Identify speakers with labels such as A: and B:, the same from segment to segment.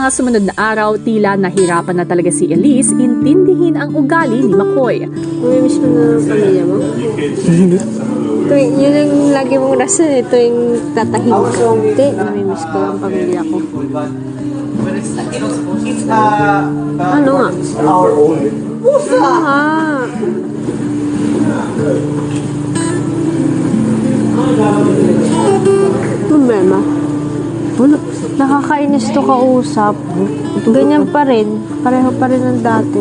A: Mga sumunod na araw, tila nahirapan na talaga si Elise intindihin ang ugali ni McCoy.
B: Namimiss mo na ang pamilya mo? Yun ang lagi mong rason. Ito yung tatahimik ko. Hindi, namimiss ko ang pamilya ko. Ano nga? Ah. Problema? Wala. Nakakainis to kausap. Ganyan pa rin. Pareho pa rin ng dati.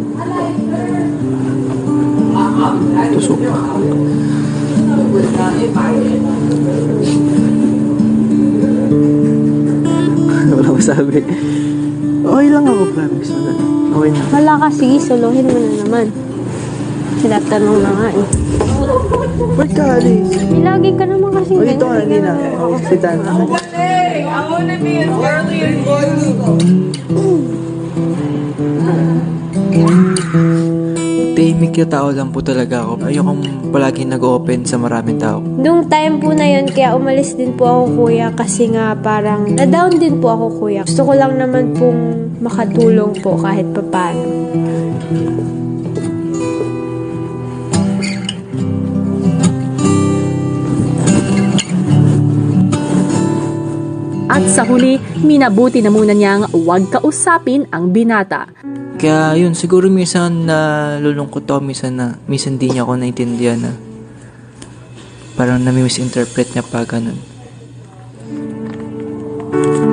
C: Tusok pa. Wala masabi. Okay lang ako, promise. Okay na.
B: Wala ka, sige, solohin mo na naman. Tinatanong na nga eh.
C: Ba't ka, Alice?
B: May lagi ka naman kasi
C: O, dito ka na, Nina. Sitan. Tahimik yung tao lang po talaga ako. Ayokong palaging nag-open sa maraming tao.
B: Nung time po na yun, kaya umalis din po ako, kuya, kasi nga parang na-down din po ako, kuya. Gusto ko lang naman pong makatulong po kahit papano.
A: At sa huli, minabuti na muna niyang huwag kausapin ang binata.
C: Kaya yun, siguro minsan nalulungkot ako, minsan di niya ako naintindihan na parang nami-misinterpret niya pa ganun.